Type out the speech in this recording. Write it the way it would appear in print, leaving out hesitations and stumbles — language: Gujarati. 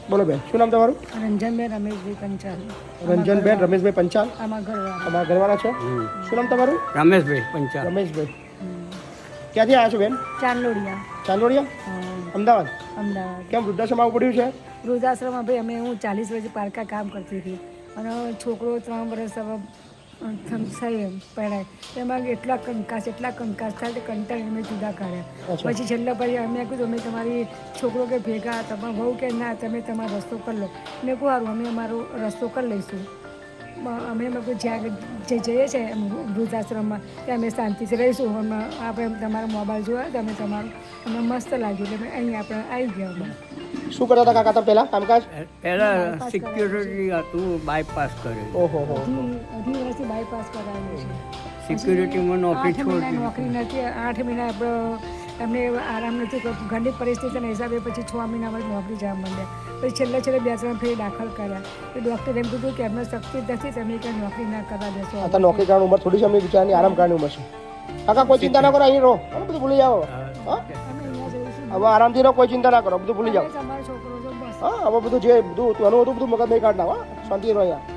બોલો બેન, શું નામ તમારું? રંજનબેન રમેશભાઈ પંચાલ. રંજનબેન રમેશભાઈ પંચાલ, આમાં ઘરવાળા. તમારા ઘરવાળા છે. શું નામ તમારું? રમેશભાઈ પંચાલ. રમેશભાઈ. ક્યાંથી આવ્યા છો બેન? ચાંદલોડિયા. ચાંદોડિયા, અમદાવાદ. અમદાવાદ. કેમ વૃદ્ધાશ્રમ આવવું પડ્યું છે? વૃદ્ધાશ્રમમાં ભાઈ અમે હું 40 વર્ષ પારકા કામ કરતી હતી અને છોકરો 3 વર્ષ હવે પડાય એમાં એટલા કંકાસ થાય કે કંટાળીને અમે જુદા કાઢ્યા. પછી છેલ્લા પછી અમે કીધું અમે તમારી છોકરો કે ભેગા તમારા બહુ કે ના તમે તમારો રસ્તો કરી લો. મેં કહું સારું અમે અમારો રસ્તો કરી લઈશું. અમે જ્યાં જે જઈએ છીએ વૃદ્ધાશ્રમમાં ત્યાં અમે શાંતિથી રહીશું. આપણે તમારો મોબાઈલ જોયો તો અમે તમારું અમને મસ્ત લાગ્યું એટલે અહીં આપણે આવી ગયા. શું કરતા હતા કાકા તમે પહેલા કામકાજ? પહેલા સિક્યુરિટી હતું, બાયપાસ કર્યું. ઓહો હો. 2 વર્ષથી બાયપાસ કરાવ્યું છે. સિક્યુરિટીમાં નોકરી 8 મહિના છોડી. નોકરી નથી. 8 મહિના એમને આરામ નથી કરતું. ઘરની પરિસ્થિતિના હિસાબે પછી 6 મહિનામાં નોકરી જવા માંડ્યા. પછી છેલ્લે 2-3 ફેરી દાખલ કર્યા. તો ડૉક્ટરે એમ કીધું કે એમને શક્તિ જ નથી, તમે કંઈ નોકરી ના કરવા દેશો. અત્યારે નોકરી કરવાની ઉંમર થોડી છે, અમને બિચારાની આરામ કરવાની ઉંમર છે. કાકા કોઈ ચિંતા ના કરો, અહીં રહો, બધું ભૂલી જાઓ. હા, અમે અહીંયા જઈશું. હવે આરામથી રહો, કોઈ ચિંતા ના કરો, બધું ભૂલી જાઓ. તમારો છોકરો જો બસ હા, હવે બધું જે બધું હતું એનું હતું બધું મગજ નહીં કાઢના. હા, શાંતિ રહો અહીંયા.